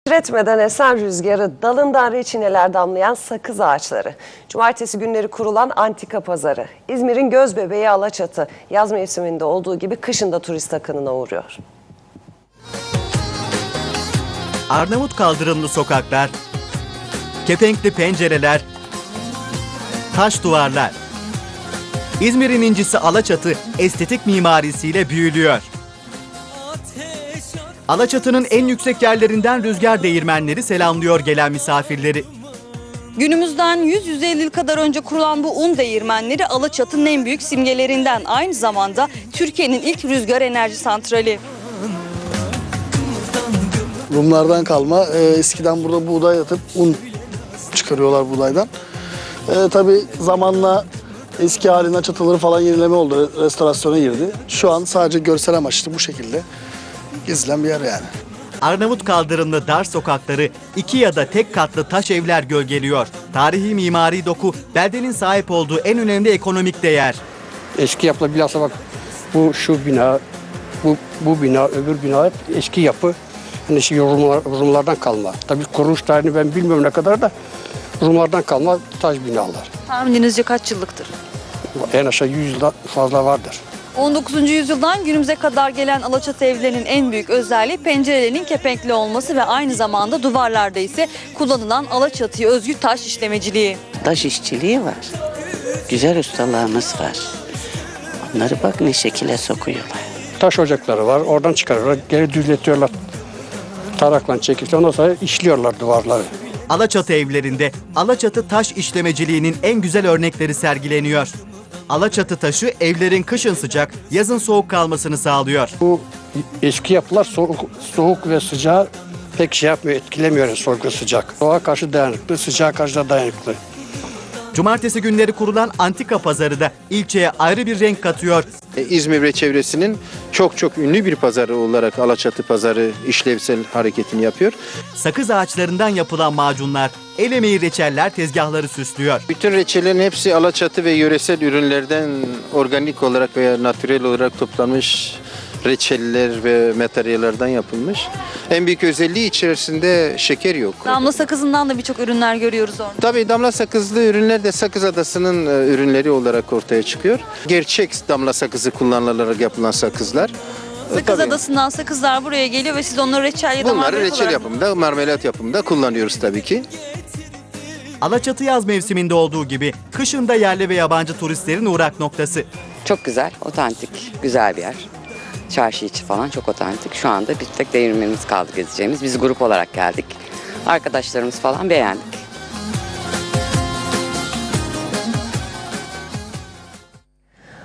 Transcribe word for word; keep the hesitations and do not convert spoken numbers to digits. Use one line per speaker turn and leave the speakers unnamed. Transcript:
Titretmeden esen rüzgarı, dalından reçineler damlayan sakız ağaçları. Cumartesi günleri kurulan antika pazarı. İzmir'in gözbebeği Alaçatı. Yaz mevsiminde olduğu gibi kışın da turist akınına uğruyor.
Arnavut kaldırımlı sokaklar, kepenkli pencereler, taş duvarlar. İzmir'in incisi Alaçatı estetik mimarisiyle büyülüyor. Alaçatı'nın en yüksek yerlerinden rüzgar değirmenleri selamlıyor gelen misafirleri.
Günümüzden yüz yüz elli yıl kadar önce kurulan bu un değirmenleri Alaçatı'nın en büyük simgelerinden. Aynı zamanda Türkiye'nin ilk rüzgar enerji santrali.
Rumlardan kalma. E, eskiden burada buğday atıp un çıkarıyorlar buğdaydan. E, tabii zamanla eski haline çatıları falan yenileme oldu. Restorasyona girdi. Şu an sadece görsel amaçlı bu şekilde gezilen bir yer yani.
Arnavut kaldırımlı dar sokakları, iki ya da tek katlı taş evler gölgeliyor. Tarihi mimari doku beldenin sahip olduğu en önemli ekonomik değer.
Eski yapılar bilhassa bak bu şu bina, bu bu bina, öbür bina hep eski yapı. Hani şey Rumlar, Rumlardan kalma. Tabii kuruluş tarihini ben bilmiyorum ne kadar da Rumlardan kalma taş binalar.
Tahmininizce kaç yıllıktır?
En aşağı yüz yıldan fazla vardır.
on dokuzuncu yüzyıldan günümüze kadar gelen Alaçatı evlerinin en büyük özelliği pencerelerinin kepenkli olması ve aynı zamanda duvarlarda ise kullanılan Alaçatı'ya özgü taş işlemeciliği.
Taş işçiliği var. Güzel ustalarımız var. Onları bak ne şekilde sokuyorlar.
Taş ocakları var, oradan çıkarıyorlar, geri düzletiyorlar. Tarakla çekip ondan sonra işliyorlar duvarları.
Alaçatı evlerinde Alaçatı taş işlemeciliğinin en güzel örnekleri sergileniyor. Alaçatı taşı evlerin kışın sıcak, yazın soğuk kalmasını sağlıyor.
Bu eski yapılar soğuk, soğuk ve sıcağı pek şey yapmıyor, etkilemiyor yani soğuk ve sıcak. Soğuğa karşı dayanıklı, sıcağa karşı da dayanıklı.
Cumartesi günleri kurulan antika pazarı da ilçeye ayrı bir renk katıyor.
İzmir ve çevresinin çok çok ünlü bir pazarı olarak Alaçatı pazarı işlevsel hareketini yapıyor.
Sakız ağaçlarından yapılan macunlar, el emeği reçeller tezgahları süslüyor.
Bütün reçellerin hepsi Alaçatı ve yöresel ürünlerden organik olarak veya natürel olarak toplanmış reçeller ve materyallerden yapılmış. En büyük özelliği içerisinde şeker yok.
Damla sakızından da birçok ürünler görüyoruz orada.
Tabii damla sakızlı ürünler de Sakız Adası'nın ürünleri olarak ortaya çıkıyor. Gerçek damla sakızı kullanılarak yapılan sakızlar.
Sakız
Tabii.
Adası'ndan sakızlar buraya geliyor ve siz onları reçel ya da
Bunları
marmelat
reçel
olarak...
yapımında, marmelat yapımında kullanıyoruz tabii ki.
Alaçatı yaz mevsiminde olduğu gibi kışın da yerli ve yabancı turistlerin uğrak noktası.
Çok güzel, otantik, güzel bir yer. Çarşı içi falan çok otantik. Şu anda bir tek değirmenimiz kaldı gezeceğimiz. Biz grup olarak geldik. Arkadaşlarımız falan beğendik.